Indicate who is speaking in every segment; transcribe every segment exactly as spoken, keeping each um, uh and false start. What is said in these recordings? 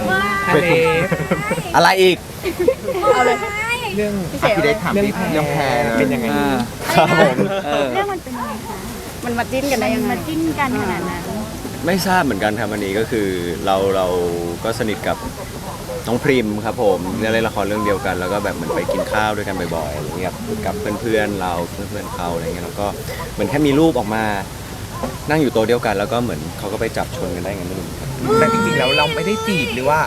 Speaker 1: ทะเล
Speaker 2: อะไรอีก
Speaker 3: เอาเลย
Speaker 1: เรื่อง
Speaker 3: พี่เสก
Speaker 1: พี่ได้ถามพี่เรื่องแพรเป็นยังไง
Speaker 2: ครับผมเออ
Speaker 4: เรื่องมันเป็นยังไงคะ
Speaker 3: มันมาจิ้นกันได้ยังไง
Speaker 4: มาจิ้นกันขนาดนั้น
Speaker 2: ไม่ทราบเหมือนกันครับวันนี้ก็คือเราเราก็สนิทกับน้องพริมครับผมเล่นละครเรื่องเดียวกัน แล้วก็แบบเหมือนไปกินข้าวด้วยกันบ่อยๆอะไรเงี้ยกับเพื่อนๆเราเพื่อนๆเขาอะไรเงี้ยแล้วก็เหมือนแค่มีรูปออกมานั่งอยู่โต๊ะเดียวกัน แล้วก็เหมือนเขาก็ไปจับชนกันได้ไงไม่รู้ครับ
Speaker 1: แต่จริงๆแล้วเราไม่ได้จีบหรือว่า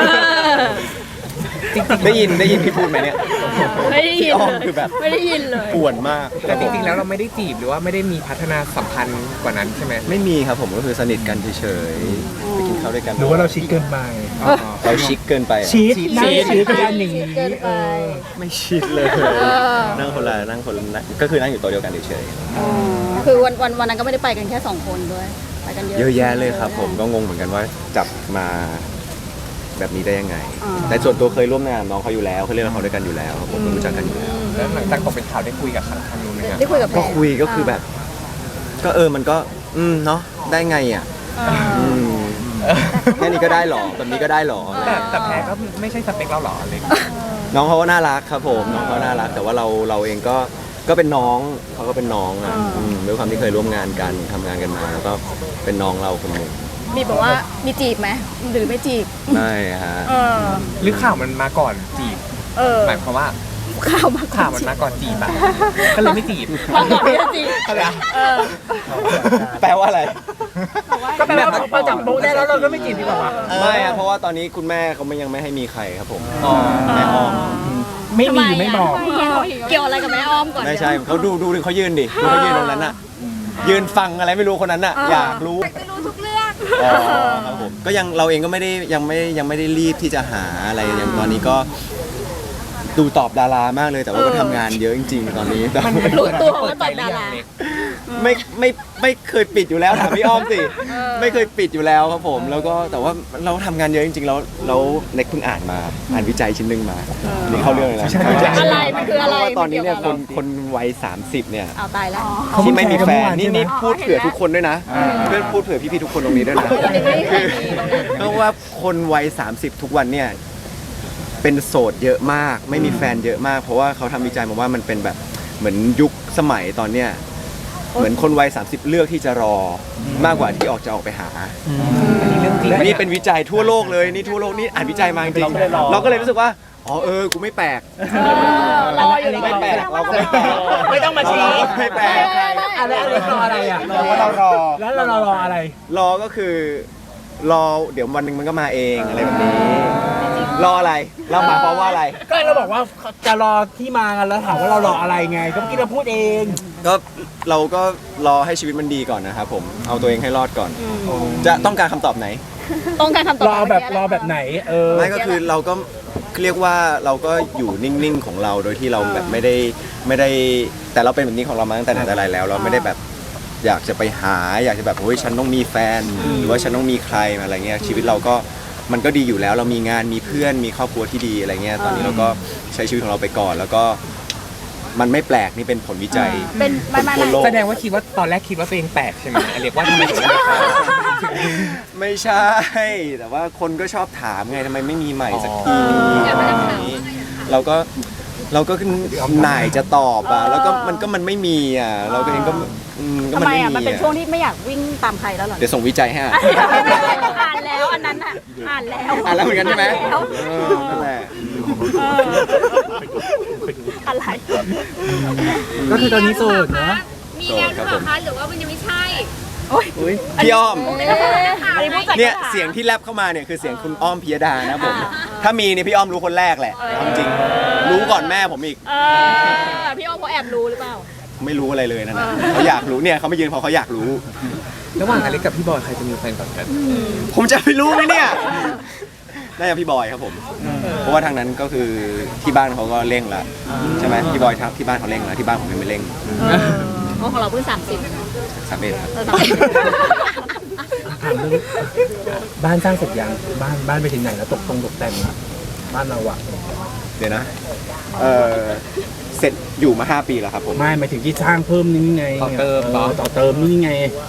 Speaker 2: ได้ยินได้ยินพี่พูดไหมเนี่ย
Speaker 3: ไม่ได้ยิน
Speaker 2: พี่อ้อม
Speaker 3: เลย
Speaker 2: คือแบบ
Speaker 3: ไม่ได้ยินเลย
Speaker 2: ป่วนมาก
Speaker 1: แต่จริงๆแล้วเราไม่ได้จีบหรือว่าไม่ได้มีพัฒนาสัมพันธ์กว่านั้นใช่ไหม
Speaker 2: ไม่มีครับผมก็คือสนิทกันเฉยๆไปกินข้าวด้วยกัน
Speaker 5: หรือว่าเราชิคเกินไป
Speaker 1: อ๋อ
Speaker 2: เราชิคเกินไปอะ
Speaker 5: ชีสนั่งชีสกันอย่างนี้
Speaker 3: เกินไป
Speaker 2: ไม่ชิดเลย
Speaker 3: อ
Speaker 2: นั่งคนละนั่งคนละก็คือนั่งอยู่โต๊ะเดียวกันเฉย
Speaker 3: คือวันวันวันนั้นก็ไม่ได้ไปกันแค่สองคนด้วยไปกันเยอะ
Speaker 2: ๆเยอะแยะเลยครับผมก็งงเหมือนกันว่าจับมาแบบนี้ได้ยังไง แต่ส่วนตัวเคยร่วมงานน้องเขาอยู่แล้วเคยเล่นละครด้วยกันอยู่แล้วครับผมก็รู้จักกันอยู่แล้ว
Speaker 1: แล้วหลังจากตกเป็นข่าวได้คุยกับทางนู้นไหมครับ
Speaker 3: ได้คุยกับแพร
Speaker 2: ก็คุยก็คือแบบ ก็เออมันก็ อืมเนาะได้ไงอ่ะ
Speaker 3: อ่า
Speaker 2: อืมแค่นี้ก็ได้หรอแบบนี้ก็ได้หรอ
Speaker 1: แต่แต่แพรก็ไม่ใช่สเปคเราหรออะไรอย่างเงี้ย
Speaker 2: น้องเขาก็น่ารักครับผมน้องเขาน่ารัก แต่ว่าเราเราเองก็ก็เป็นน้องเขาก็เป็นน้องอ่ะอืมด้วยความที่เคยร่วมงานกันทำงานกันมา แล้วก็เป็นน้องเราคนหนึ่ง
Speaker 3: มีบอกว่ามีจีบไหมหรือไม่จีบ
Speaker 2: ไม่ฮะ
Speaker 3: เออ
Speaker 1: หรือข่าวมันมาก่อนจีบ
Speaker 3: เออ
Speaker 1: หมายความว่า
Speaker 3: ข่าวมาก่อ
Speaker 1: ข่าวมันมาก่อนจีบอะก็เลยไม่จีบ
Speaker 3: มาก่อนที่จะจีบ
Speaker 1: อะไรอะ
Speaker 3: เออ
Speaker 2: แปลว่าอะไร
Speaker 5: ก็แปลว่าพอจับโป๊ะได้แล้วเราก็ไม่จีบดีกว่าวะ
Speaker 2: ไม่อะเพราะว่าตอนนี้คุณแม่เขาไม่ยังไม่ให้มีใครครับผม
Speaker 1: อ๋อ
Speaker 2: แม่อ้อม
Speaker 5: ไม่มีหรือไม่บอก
Speaker 3: เกี่ยวอะไรกับแม่อ้อมก่อน
Speaker 2: ไม่ใช่เขาดูดูเขายืนดิดูเขายืนตรงนั้นน่ะ ยืนฟังอะไรไม่รู้คนนั้นน่ะ อยากรู้
Speaker 4: จะรู้ทุกเรื่อง
Speaker 2: อ๋อครับผมก็ยังเราเองก็ไม่ได้ยังไม่ยังไม่ได้รีบที่จะหาอะไรอย่างตอนนี้ก็ดูตอบดารามากเลยแต่ว่าก็ทำงานเยอะจริงๆตอนนี้แต่
Speaker 3: รู้ตัวว่าตอบดารา
Speaker 2: ไม่ไม่ไม่เคยปิดอยู่แล้วถามพี่อ้อมสิไม่เคยปิดอยู่แล้วครับผม แล้วก็แต่ว่าเราทำงานเยอะจริงๆแล้วแล้วเน็กเพิ่งอ่านมาอ่านวิจัยชิ้นหนึ่งมานี่เข้าเรื่องเลยนะ
Speaker 3: อะไรมันคืออะไร
Speaker 2: เพาว่าตอนนี้เนี่ยคนคนวัยสามสิบเนี่ย
Speaker 3: เอาตายแล้ว
Speaker 2: ที่ไม่มีแฟนนี่
Speaker 5: เขาเพิ่งแชร์กันเมื่อวานใช่ไหม
Speaker 2: นี่พูดเผื่อทุกคนด้วยนะเพื่อนพูดเผื่อพี่ๆทุกคนตรงนี้ด้วยนะคือเพราะว่าคนวัยสามสิบทุกวันเนี่ยเป็นโสดเยอะมาก ไม่มีแฟนเยอะมาก เพราะว่าเขาทำวิจัยมาว่ามันเป็นแบบเหมือนยุคสมัยตอนเนี้ยเหมือนคนวัยสามสิบเลือกที่จะรอมากกว่าที่ออกจะออกไปหา
Speaker 1: อันนี้เรื่องจริง
Speaker 2: และนี่เป็นวิจัยทั่วโลกเลยนี่ทั่วโลกนี่อ่านวิจัยมาจริงๆเราก็เลยรู้สึกว่าอ๋อเออกูไม่แปลก
Speaker 3: รออยู่ใน
Speaker 2: ไม่แปลกเราก็ไม่แปลก
Speaker 5: ไม่ต้องมาชี้
Speaker 2: เราก็ไม่แปลก
Speaker 5: อะไรอะไรรออะไรอ่ะ
Speaker 2: เราว่าเรารอ
Speaker 5: แล้วเรารออะไร
Speaker 2: รอก็คือรอเดี๋ยววันหนึ่งมันก็มาเองอะไรแบบนี้ รออะไรเราหมายความว่าอะไร
Speaker 5: ก็เราบอกว่าจะรอที่มากันแล้วถามว่าเรารออะไรไง ก็เมื่อกี้เราพูดเอง
Speaker 2: ก็เราก็รอให้ชีวิตมันดีก่อนนะครับผมเอาตัวเองให้รอดก่อน จะต้องการคำตอบไหน
Speaker 3: ต้องการคำตอบ
Speaker 5: รอแบบรอแบบไหน เออ
Speaker 2: ไม่ก็คือเราก็เรียกว่าเราก็อยู่นิ่งๆของเราโดยที่เราแบบไม่ได้ไม่ได้แต่เราเป็นแบบนี้ของเรามาตั้งแต่ไหนแต่ไรแล้ว เราไม่ได้แบบอยากจะไปหา อยากจะแบบโอ้ยฉันต้องมีแฟน หรือว่าฉันต้องมีใครอะไรเงี้ยชีวิตเราก็มันก็ดีอยู่แล้ว เรามีงานมีเพื่อนมีครอบครัวที่ดีอะไรเงี้ยตอนนี้เราก็ใช้ชีวิตของเราไปก่อน แล้วก็มันไม่แปลกนี่เป็นผลวิจัย
Speaker 3: เป็นไม่ไม่
Speaker 2: ทั่วโลก
Speaker 1: แสดงว่าคิดว่าตอนแรกคิดว่าตัวเองแปลกใช่ไหมเรียกว่าทำไมถึงไม่เข้า
Speaker 2: ไม่ใช่ แต่ว่าคนก็ชอบถามไงทำไมไม่มีใหม่สักที
Speaker 1: อ๋อ
Speaker 2: อะไรแบบนี้เราก็เราก็หน่ายจะตอบอ่ะแล้วก็มันก็มันไม่มีอ่ะเราก็เองก็อืมก็
Speaker 3: ทำ
Speaker 2: มัน
Speaker 3: ไม
Speaker 2: ไม่
Speaker 3: อ่ะ
Speaker 2: มี
Speaker 3: มันเป็น
Speaker 2: อ่ะ
Speaker 3: ช่วงที่ไม่อยากวิ่งตามใครแล้วเหรอ
Speaker 2: เดี๋ยวส่งวิจัยให้อ่ะ
Speaker 3: อ่านแล้วอันนั้นอ่ะอ่านแล้ว
Speaker 2: อ่านแล้วเหมือนกันใช่ไหม
Speaker 3: แล้ว
Speaker 2: เออนั่นแหละ
Speaker 3: เอออะไร
Speaker 5: ก็คือตอนนี้โสดนะ
Speaker 4: มีแล้วหรือเปล่าคะหรือว่ามันยังไม่ใช่
Speaker 2: อุ๊ยพี่อ้อม
Speaker 3: อันนี้ผู้จัด
Speaker 2: เนี่ย
Speaker 3: การ
Speaker 2: เสียงที่แลบเข้ามาเนี่ยคือเสียงคุณอ้อมพิยดานะผมถ้ามีเนี่ยพี่อ้อมรู้คนแรกแหละเอาจริงๆรู้ก่อนแม่ผมอีก
Speaker 3: เออพี่อ้อมเขาแอบรู้หรือเปล่า
Speaker 2: ไม่รู้อะไรเลยนั่นนะเขาอยากรู้เนี่ยเขามายืนเพราะเขาอยากรู้
Speaker 1: ระหว่างอเล็กกับพี่บอยใครจะมีแฟนก่อนกัน
Speaker 2: ผมจะไม่รู้ไหมเนี่ยน่าจะพี่บอยครับผม เพราะว่าทางนั้นก็คือที่บ้านเขาก็เร่งละใช่ไหมพี่บอยครับที่บ้านเขาเร่งละที่บ้านผมยังไม่เร่ง
Speaker 3: เพราะของเราเพิ่งสามสิบ
Speaker 2: สามเอ็ดครับ
Speaker 3: เออสามสิบ
Speaker 5: ถามเรื่องบ้านสร้างเสร็จยังบ้านบ้านไปถึงไหนแล้วตกตรงตกแต่งอะบ้านเราอะ
Speaker 2: เดี๋ยวนะเออเสร็จอยู่มาห้าปีแล้วครับผม
Speaker 5: ไม่หมายถึงที่สร้างเพิ่มนี่ไง
Speaker 1: ต่อเติม
Speaker 5: เอ
Speaker 1: เหรอ
Speaker 5: อต่อเติมนี่ไง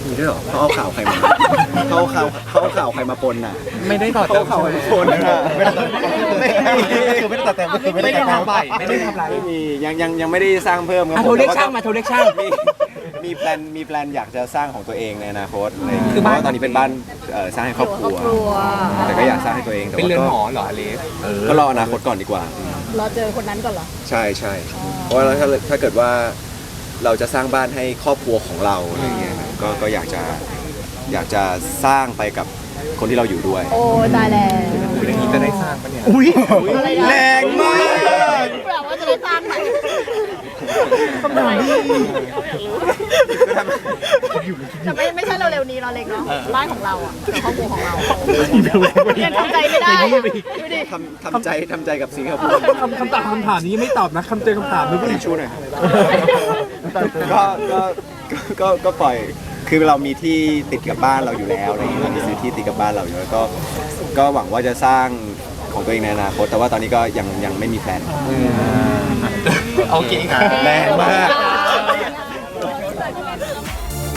Speaker 2: มีด้วยเหรอเขาเอาข่าวใครมาเขาเอาข่าวเขาเอาข่าวใครมาปนน่ะ
Speaker 1: ไม่ได้ต่อ
Speaker 2: เขา
Speaker 1: เติม
Speaker 2: เอาข่าวใครมาปนน่ะไม่มี
Speaker 5: คือไม่ได้ตัดแต่งก็คือไม่
Speaker 1: ไม่
Speaker 5: ได้
Speaker 1: ได้
Speaker 5: แต่ง
Speaker 1: ทำอะไรไม่ได้ทำอะไร
Speaker 2: ไม่มียังยังยังไม่ได้สร้างเพิ่มครับ
Speaker 5: อ่ะ
Speaker 2: ผ
Speaker 5: โทร
Speaker 2: ม
Speaker 5: เรียก
Speaker 2: แต่ว่
Speaker 5: ช่างมาโทรเรียกช่าง
Speaker 2: มีมีแพลนมีแพลนอยากจะสร้างของตัวเองในอนาคตอะไรอย่างเงี้ย
Speaker 1: คือ
Speaker 2: เพ
Speaker 1: บ้าน
Speaker 2: ราะว่าตอนนี้เป็นบ้านเอ่อสร้างให้ครอบครัว
Speaker 3: ครอบครัว
Speaker 2: แต่ก็อยากสร้างให้ตัวเองแต่
Speaker 1: เป็น
Speaker 2: ว่า
Speaker 1: เรือน
Speaker 2: ก็
Speaker 1: หอเหรออเลส
Speaker 2: ก็รออนาคตก่อนดีกว่า
Speaker 3: รอเจอคนนั้นก่อนเหรอ
Speaker 2: ใช่ใช่เพราะว่าถ้าถ้าเกิดว่าเราจะสร้างบ้านให้ครอบครัวของเราอะไรเงี้ยก็ก็อยากจะอยากจะสร้างไปกับคนที่เราอยู่ด้วย
Speaker 3: โอ้ตายแล้ว
Speaker 1: คืออย่างนี้จะได้สร้างปะเนี่ย
Speaker 5: อุ้ย
Speaker 3: อะไรนะ
Speaker 2: แรงมาก
Speaker 3: แปลว่าจะได้สร้างไหม
Speaker 5: คำถามที่
Speaker 3: แต่ไม่ไม่ใช่เร็วๆนี้เราเล็กเนาะบ้านของเราอ่ะแต่ครอบครัวของเรายังทำใจไม่ได้อะดูดิ
Speaker 2: ทำทำใจทำใจกับสิ่งที่เขาพูด
Speaker 5: คำคำตอบคำถามนี้ไม่ตอบนะคำเจอคำถามนึกว่า
Speaker 2: ชูหน่อยก็ก็ก็ก็ก็ปล่อยคือเรามีที่ติดกับบ้านเราอยู่แล้วอะไรอย่างเงี้ยเรามีซื้อที่ติดกับบ้านเราอยู่แล้วก็ก็หวังว่าจะสร้างของตัวเองในอนาคตแต่ว่าตอนนี้ก็ยังยังไม่มีแพลน
Speaker 1: โอเคครับ
Speaker 2: แรงมาก